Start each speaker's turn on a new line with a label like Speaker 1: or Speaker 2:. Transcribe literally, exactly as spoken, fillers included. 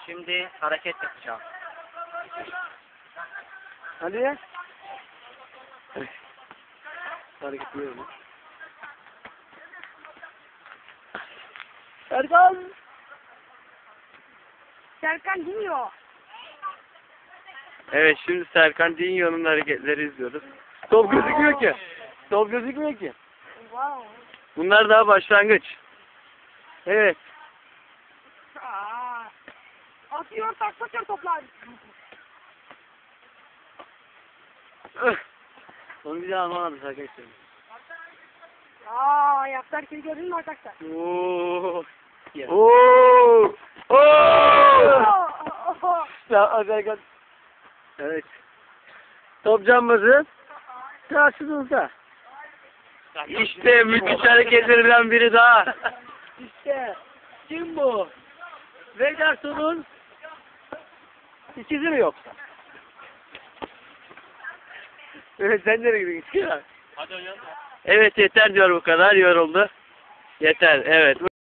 Speaker 1: Şimdi hareket yapacağım.
Speaker 2: Hadi ya. Hareket ediyorum. Serkan!
Speaker 3: Serkan dinliyor.
Speaker 2: Evet, şimdi Serkan Dinyo'nun hareketleri izliyoruz. Top gözükmüyor ki. Top gözükmüyor ki.
Speaker 3: Wow.
Speaker 2: Bunlar daha başlangıç. Evet.
Speaker 3: Aa. Atıyor taklatıyor toplar.
Speaker 2: Onu bir daha anlamadım arkadaşlar.
Speaker 3: Aa, ayaklar kiri gördün mü arkadaşlar?
Speaker 2: Oo. Oo. Oo. Serkan. Evet. Top cambazı karşınızda. İşte müthiş hareketlerinden biri daha. İşte kim bu? Vegason'un ikizi mi yoksa? Evet, sen nereye gidiyorsun?
Speaker 1: Hadi oynayalım.
Speaker 2: Evet, yeter diyor, bu kadar yoruldu. Yeter, evet.